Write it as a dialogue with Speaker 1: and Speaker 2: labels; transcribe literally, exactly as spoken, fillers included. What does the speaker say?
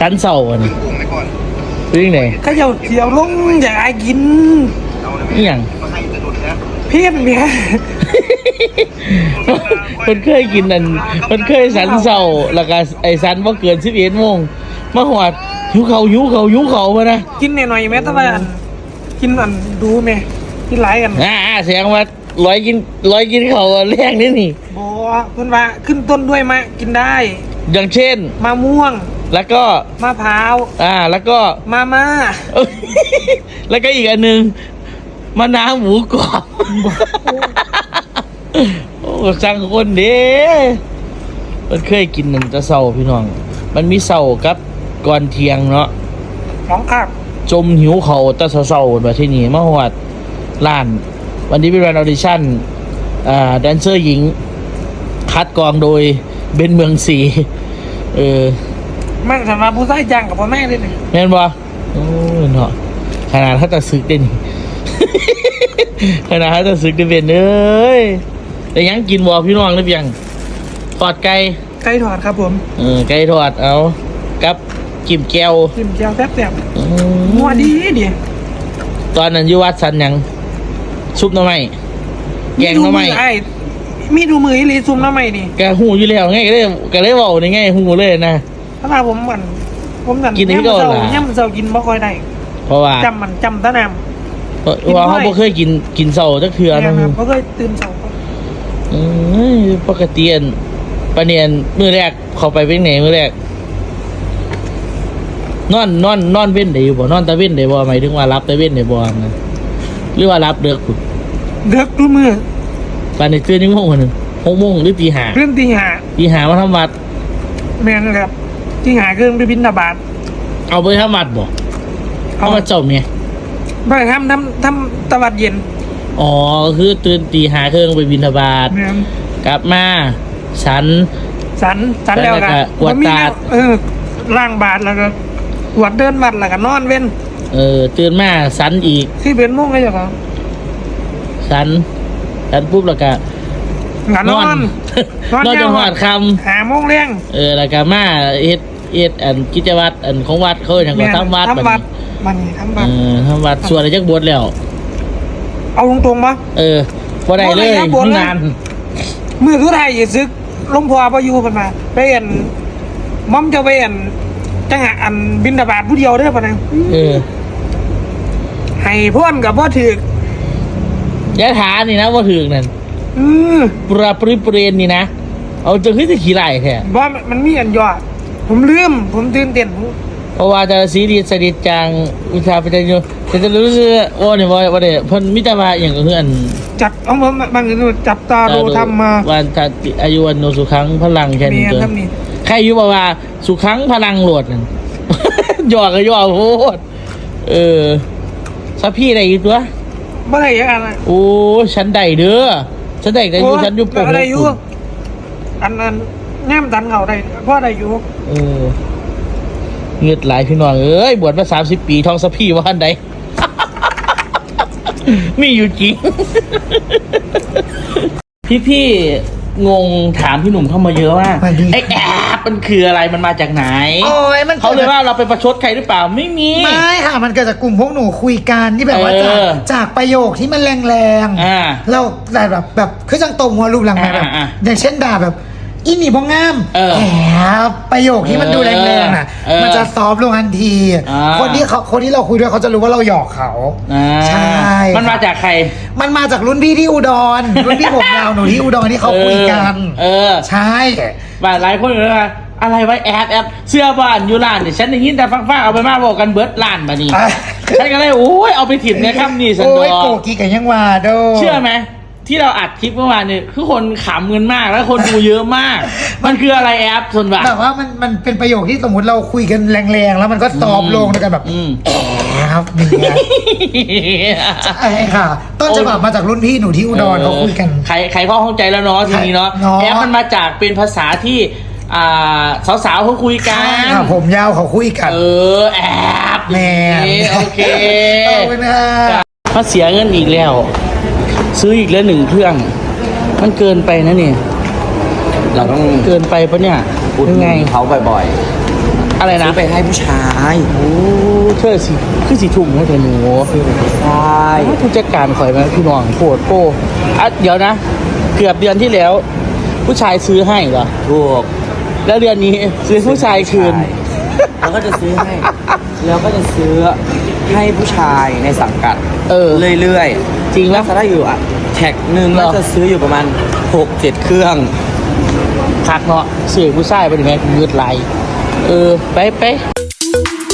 Speaker 1: สันเสาอันนี้ซื้อยังไง
Speaker 2: ก็เดี๋ยวเดี๋ยวลงอยากไอ้กิน
Speaker 1: นี่อย่าง
Speaker 2: เพี้ยนเมีย
Speaker 1: มันเคยกินนั่นมันเคยสันเสาแล้วก็ไอ้สันว่าเกินสิบเอ็ดโมงมาหอดหิวเขาหิวเขาหิวเขามานะ
Speaker 2: กินหน่อยๆแม่ตะวันกินอันดูแม่กินหลายกัน
Speaker 1: อ่าเสียงว่าร้อยกินร้อยกินเขาแรงนี่นี่
Speaker 2: บอเพื่อนว่าขึ้นต้นด้วยมะกินได้
Speaker 1: อย่างเช่น
Speaker 2: มะม่วง
Speaker 1: แล้วก็
Speaker 2: มะพร้าว
Speaker 1: อ่าแล้วก็
Speaker 2: มาม่า
Speaker 1: แล้วก็อีกอันหนึ่งมะนาวหมูกรอบโอ้สั่งคนเด้มันเคยกินนั่นจะเศร้าพี่น้องมันมีเศร้ากับก่อนเที่ยงเนาะ
Speaker 2: น้องครับ
Speaker 1: จมหิวเขาแต่เศร้าๆแบบที่นี่มาหอดล้านวันนี้เป็นวันออดิชั่นอ่าแดนเซอร์หญิงคัดกรองโดยเบนเมืองศรีเออ
Speaker 2: มันสำหรับผู้ชายจังกับพ่อแม่เลยนี่
Speaker 1: แม่นบ่โอ้เนาะขนาดถ้าจะซึกได้นี่ ขนาดถ้าจะซึกได้เป็นเอ้ยแต่ยังกินบ่พี่น้องหรือยังทอดไก่
Speaker 2: ไก่ทอดครับผม
Speaker 1: เออไก่ทอดเอากับจิ้มแก้ว
Speaker 2: จิ้มแก้วแซ่บๆมัวดีดิ
Speaker 1: ตอนนั้นอยู่วัดสันยังซุปหน่อไม้แกงหน่อไม้
Speaker 2: มีดูมือหรือซุปหน่อไม้นี่
Speaker 1: แกหูอยู่แล้วไงก็เลยก็เลยเว้านี่ไงหูเลยนะ
Speaker 2: ถ้ามาผมเหมือนผมสั่น
Speaker 1: กินนี่ก็ล่ะ
Speaker 2: ย่ำเซากินบ่ค่อยได้
Speaker 1: เพราะว่า
Speaker 2: จำมันจำตะนำ
Speaker 1: เพราะว่าเขาบ่เคยกินกินเซาจักเทื่อนะ
Speaker 2: เขาเคยตื่นเซา
Speaker 1: อือปกติอันปะเนียนมื้อแรกเข้าไปเป็นไหนมื้อแรกนอนนอนนอนเว้นได้อยู่บ่นอนตะเว้นได้บ่หมายถึงว่ารับตะเว้นได้บ่นะหรือว่ารับเด็กพุ่น
Speaker 2: เด็กทุกมื้อ
Speaker 1: ปานนี้ตื่นจังโมงนึง หกโมงหรือตีห้า
Speaker 2: ตื่นตีห้า
Speaker 1: ตีห้ามาทำวัด
Speaker 2: แม่นครับตีห้าคือไปบิณฑบาต
Speaker 1: เอาไปทำวัดบ่เอามาเจ้าเมีย
Speaker 2: ไปทำทำทำตะวัดเย็น
Speaker 1: อ๋อคือตื่นตีห้าเครื่องไปบิณฑบาตกลับมาฉัน
Speaker 2: ฉันฉันแล้วกัน
Speaker 1: กวดตา
Speaker 2: เออล้างบาตรแล้วก็กวดเดินวัดแล้วก็นอนเว้น
Speaker 1: เออตื่นมาฉันอีก
Speaker 2: ที่เป็นโมงก็จะครับ
Speaker 1: ฉันฉันปุ๊บแล้วก็
Speaker 2: นอน
Speaker 1: นอนจนหอดค
Speaker 2: ำหาโมงเลี้ยง
Speaker 1: เออแล้วก็มาเอ็ดเอ็ดอันกิจวัตรอันของวัดเขาอย่างว่าทำวัด
Speaker 2: ทำวัดมันทำวัด
Speaker 1: เออทำวัดส่วนอะไรจักบวชแล้ว
Speaker 2: เอาตรงๆปะ
Speaker 1: เออพอได้เลยนาน
Speaker 2: มือทุกไทยอย่าซึกลงพอพออยู่กันมาไปเอ็นมั่มจะไปเอ็นจังหะอันบินดาบาดผู้เดียวได้ปะนะ
Speaker 1: เออ
Speaker 2: ให้พ่นกับพ่อถื
Speaker 1: อยะถานี่นะพ่อถือนั่น
Speaker 2: อือ
Speaker 1: ปราปริเปรนนี่นะเอาจะขึ้นจะขี่ไหล่แท้
Speaker 2: ว่ามันมีอันยอดผมลืมผมตื่นเต้น
Speaker 1: เพราะว่าจะสีดีสดิจังอุทาไปจะอยู่จะจะรู้สึกว่าเนี่ยว่าว่าเนี่ยพันมิตรมาอย่างก็คืออัน
Speaker 2: จับเอาผมบางทีจับตาดูทำมา
Speaker 1: วันทัดอายุวันโนสุขังพลังแค่นี้ตัวใครอายุบอกว่าสุขังพลังโหลดนั่นย่อก็ย่อโคตรเออสักพี่อะไรอีกตัว
Speaker 2: เมื่อไหร่ยังไง
Speaker 1: โอ้ฉันได้เด้อฉันได้แต่อยู่ฉันอยู่ปก
Speaker 2: อะไรอยู่อันนั้นแง้มดันเขาได้เพราะอะไรอยู่
Speaker 1: เออเงือดไหลพี่น้องเอ้ยบวชมาสามสิบปีทองสักพี่ว่าอันใดมีอยู่จริงพี่พี่งงถามพี่หนุ่มเข้ามาเยอะว่าไอ้แอบมันคืออะไรมันมาจากไหน
Speaker 2: โอ้ยมัน
Speaker 1: เขาเลยว่าเราไปประชดใครหรือเปล่าไม่มี
Speaker 2: ไม่ค่ะมันเกิดจากกลุ่มพวกหนูคุยกันที่แบบว่าจากจากประโยคที่มันแรงๆเราแบบแบบคือจังตรงหัวรูปหลังแบบอย่างเช่นด่าแบบอินี่พงงามแอบประโยคที่มันดูแรงๆน่ะมันจะซอฟลงทันทีคนที่เขาคนที่เราคุยด้วยเขาจะรู้ว่าเราหยอกเขาใช่
Speaker 1: มันมาจากใคร
Speaker 2: มันมาจากรุ่นพี่ที่อุดรรุ่นพี่ผมยาวหนูที่อุดรที่เขาคุยกัน
Speaker 1: เออ
Speaker 2: ใช่
Speaker 1: บ้านหลายคนเลยนะอะไรไว้แอบแอบเสื้อบ้านอยู่ร้านเนี่ยฉันได้ยินแต่ฟังๆเอาไปมาบอกกันเบิร์ดร้านมานี่ฉันก็เลยโอ้ยเอาไปถิ่มเนี่ยครับนี่สันดอโอ้
Speaker 2: ยโกกีกันยังว่าโด
Speaker 1: เชื่อไหมที่เราอัดคลิปเมื่อวานเนี่ยคือคนขำเงินมากแล้วคนดูเยอะมากมันคืออะไรแอปส่วนบ่า
Speaker 2: แบบว่ามันมันเป็นประโยคที่สมมติเราคุยกันแรงๆแล้วมันก็ซอฟลงในการแบบแอบนี่ใช่ค่ะต้นฉบับมาจากรุ่นพี่หนูที่อุดรเขาคุยกัน
Speaker 1: ใครใครพ่อเข้าใจแล้วเนาะทีนี้เนาะแอปมันมาจากเป็นภาษาที่อ่าสาวๆเขาคุยกัน
Speaker 2: ผมยาวเขาคุยกัน
Speaker 1: เออแอบ
Speaker 2: แม่
Speaker 1: โอเค
Speaker 2: เอาไปนะ
Speaker 1: ถ้าเสียเงินอีกแล้วซื้ออีกแล้วหนึ่งเครื่องมันเกินไปนะนี่
Speaker 3: เราต้อง
Speaker 1: เกินไปปะเนี่ย
Speaker 3: พูดไงเขาบ่อยๆ
Speaker 1: อะไรนะ
Speaker 3: ซื้อไปให้ผู้ชาย
Speaker 1: โอ้เธอสิคือสิทุ่มให้เธอหนู
Speaker 3: ซื้อไปให้ผู้ชาย
Speaker 1: ผู้จัดการข่อยมาพี่น้องโคตรโป้อ่ะเดี๋ยวนะ เกือบเดือนที่แล้ว ผู้ชายซื้อให้เหรอ
Speaker 3: ถูก
Speaker 1: แล้วเดือนนี้ซื้อผู้ชายคืน
Speaker 3: แล้วก็จะซื้อให้ แล้วก็จะซื้อให้ผู้ชายในสังกัด
Speaker 1: เออ
Speaker 3: เรื่อย
Speaker 1: จริง
Speaker 3: ๆ
Speaker 1: แล้
Speaker 3: แล้ว วถ้าได้อยู่อ่ะแท็กหนึ่ง
Speaker 1: เหรอ
Speaker 3: แล้วจะซื้ออยู่ประมาณหกเจ็ดเครื่อง
Speaker 1: คักเนาะซื้อผู้ชายไปดิแม่ยืดไหลเออ ไปไป